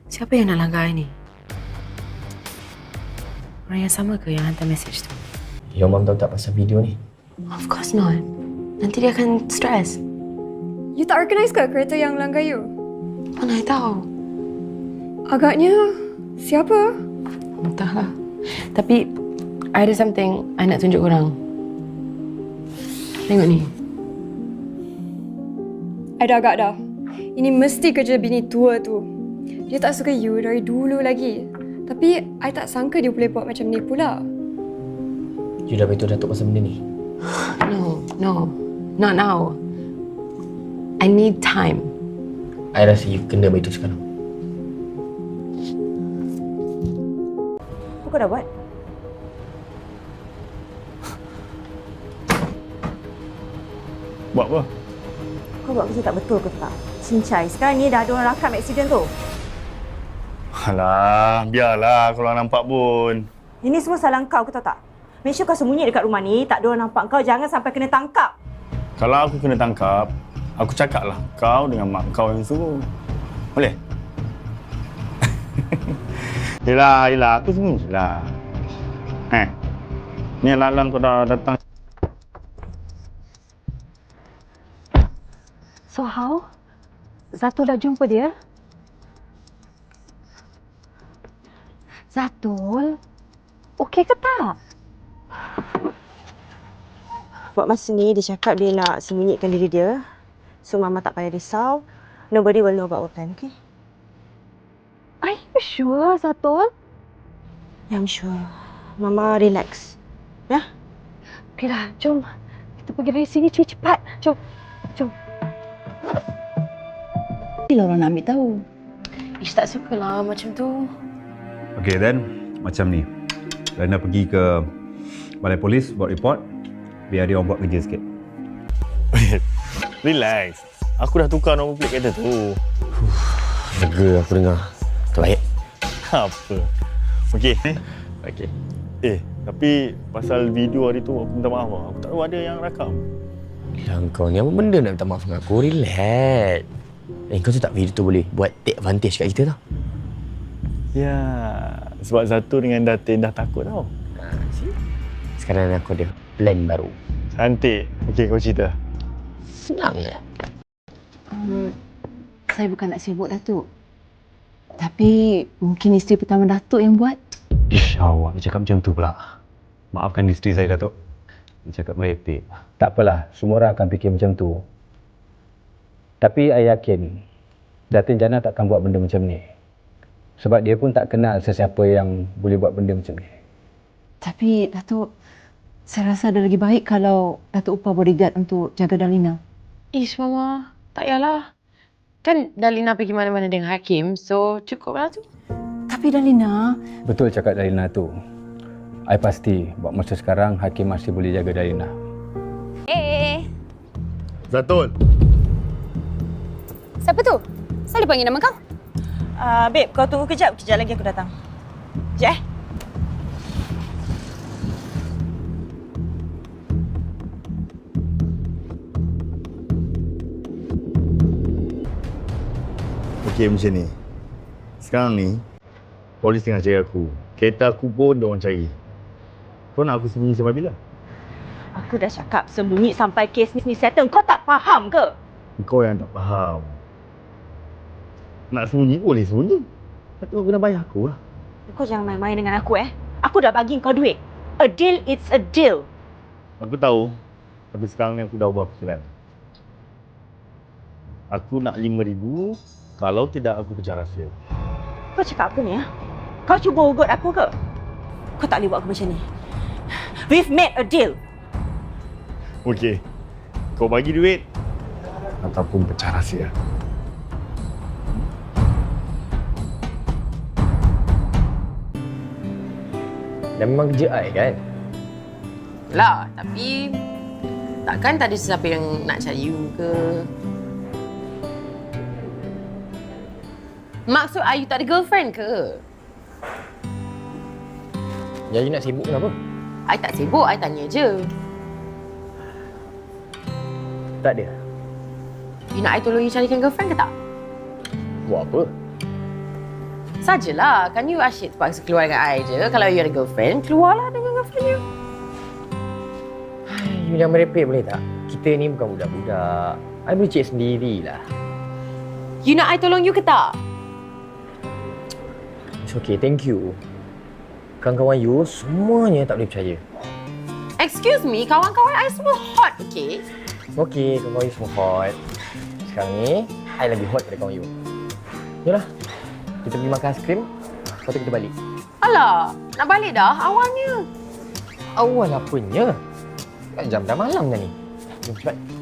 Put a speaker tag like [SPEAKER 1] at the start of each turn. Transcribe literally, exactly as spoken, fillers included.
[SPEAKER 1] Siapa yang nak langgar I ni? Orang yang sama ke yang hantar mesej tu?
[SPEAKER 2] Your mom tahu tak pasal video ni?
[SPEAKER 1] Of course not. Nanti dia akan stres.
[SPEAKER 3] You tak organise ke kereta yang langgar you?
[SPEAKER 1] Mana I tahu?
[SPEAKER 3] Agaknya siapa?
[SPEAKER 1] Entahlah. Tapi I ada something I nak tunjuk korang. Tengok ni.
[SPEAKER 3] I dah agak dah. Ini mesti kerja bini tua tu. Dia tak suka you dari dulu lagi. Tapi I tak sangka dia boleh buat macam ni pula.
[SPEAKER 2] You dah beritahu Datuk pasal benda ni?
[SPEAKER 1] No, no. Not now. I need time.
[SPEAKER 2] I rasa you kena beritahu sekarang.
[SPEAKER 4] Apa kau dah buat?
[SPEAKER 5] Buat apa?
[SPEAKER 4] Kau buat kerja tak betul ke tak? Cincai, sekarang ni dah ada orang rakam aksiden tu.
[SPEAKER 5] Alah, biarlah kalau orang nampak pun.
[SPEAKER 4] Ini semua salah kau, kau tahu tak? Make sure kau sembunyi dekat rumah ni, tak ada orang nampak kau, jangan sampai kena tangkap.
[SPEAKER 5] Kalau aku kena tangkap, aku cakaplah kau dengan mak kau yang suruh. Boleh? Yelah, yelah, aku sembunyi lah. Eh, ni alang-alang kau dah datang.
[SPEAKER 6] So how? Zatul dah jumpa dia? Zatul? Okey ke tak?
[SPEAKER 4] Buat masa ni, dia cakap dia nak sembunyikan diri dia. So, Mama tak payah risau. Nobody will know about our plan, okay?
[SPEAKER 6] Are you sure, Zatul?
[SPEAKER 4] Yeah, I'm sure. Mama relax. Ya?
[SPEAKER 6] Okeylah, jom. Kita pergi dari sini cepat. Jom. Jom.
[SPEAKER 7] Bila orang nak ambil tahu.
[SPEAKER 1] Ish, tak sukalah macam tu.
[SPEAKER 8] Okey, then macam ni. Lana pergi ke balai polis buat report biar dia orang buat kerja sikit.
[SPEAKER 5] Relax. Aku dah tukar nombor plate kereta tu.
[SPEAKER 2] Lega aku dengar. Terbaik.
[SPEAKER 5] Apa? Okey.
[SPEAKER 2] Okey.
[SPEAKER 5] Eh, tapi pasal video hari tu aku minta maaf lah. Aku tak tahu ada yang rakam.
[SPEAKER 2] Yang kau ni apa benda nak minta maaf dengan aku? Relax. Eh, kau tu tak video tu boleh buat take advantage kat kita tau.
[SPEAKER 5] Ya, sebab Zatul dengan Datin dah takut tau.
[SPEAKER 2] Ha, see? Sekarang aku ada plan baru.
[SPEAKER 5] Cantik. Okey, kau cerita.
[SPEAKER 2] Senang je.
[SPEAKER 7] Um, saya bukan nak sibuk Datuk. Tapi mungkin isteri pertama Datuk yang buat.
[SPEAKER 8] Ish, awak dia cakap macam tu pula. Maafkan isteri saya, Datuk. Dia cakap baik-baik.
[SPEAKER 9] Tak apalah, semua orang akan fikir macam tu. Tapi saya yakin Datin Jana takkan buat benda macam ni. Sebab dia pun tak kenal sesiapa yang boleh buat benda macam ni.
[SPEAKER 7] Tapi Datuk, saya rasa ada lagi baik kalau Datuk upah bodyguard untuk jaga Dalina.
[SPEAKER 1] Ish, Mama. Tak payahlah. Kan Dalina pergi mana-mana dengan Hakim, so cukuplah tu.
[SPEAKER 7] Tapi Dalina...
[SPEAKER 9] Betul cakap Dalina tu. I pasti buat masa sekarang Hakim masih boleh jaga Dalina.
[SPEAKER 3] Eh,
[SPEAKER 5] Zatul.
[SPEAKER 3] siapa tu? Saya panggil nama kau.
[SPEAKER 4] Uh, babe, kau tunggu kejap. Kejap lagi aku datang. Kejap eh.
[SPEAKER 5] Okey, macam ni. Sekarang ni, polis tengah cari aku. Kereta aku pun diorang cari. Kau nak aku sembunyi sampai bila?
[SPEAKER 4] Aku dah cakap sembunyi sampai kes ni settle. Kau tak faham ke?
[SPEAKER 5] Kau yang tak faham. Nak sembunyi boleh sembunyi. Tapi kau kena bayar aku lah.
[SPEAKER 4] Kau jangan main-main dengan aku eh. Aku dah bagi kau duit. A deal, it's a deal.
[SPEAKER 5] Aku tahu. Tapi sekarang ni aku dah ubah pikiran. Aku nak lima ribu. Kalau tidak, aku kejar rahsia.
[SPEAKER 4] Kau cakap apa ni ya? Kau cuba ugut aku ke? Kau tak boleh buat aku macam ni. We've made a deal.
[SPEAKER 5] Okey. Kau bagi duit. Ataupun pecah rahsia.
[SPEAKER 2] Dan memang kerja I kan?
[SPEAKER 1] Lah, tapi takkan tak ada sesiapa yang nak cari you ke? Maksud I, you tak ada girlfriend ke?
[SPEAKER 2] Jadi nak sibuk kenapa?
[SPEAKER 1] I tak sibuk, I tanya je.
[SPEAKER 2] Tak ada.
[SPEAKER 1] You nak I tolong you carikan girlfriend ke tak?
[SPEAKER 2] Buat apa?
[SPEAKER 1] sajalah. Kan you asyik terpaksa keluar dengan I je. Kalau you ada girlfriend, keluarlah dengan girlfriend you.
[SPEAKER 2] You jangan merepek boleh tak? Kita ni bukan budak-budak. I boleh cek sendirilah.
[SPEAKER 1] You nak I tolong you ke tak?
[SPEAKER 2] It's okay, thank you. Kawan-kawan you semuanya tak boleh percaya.
[SPEAKER 1] Excuse me, kawan-kawan I semua hot, okay?
[SPEAKER 2] Okay, kawan-kawan you semua hot. Sekarang ni, I lagi hot daripada kawan you. Yalah, kita pergi makan aiskrim, lepas tu kita balik.
[SPEAKER 1] Alah, nak balik dah awalnya.
[SPEAKER 2] Awal apanya? Kan jam dah malam dah ni. Jom cepat.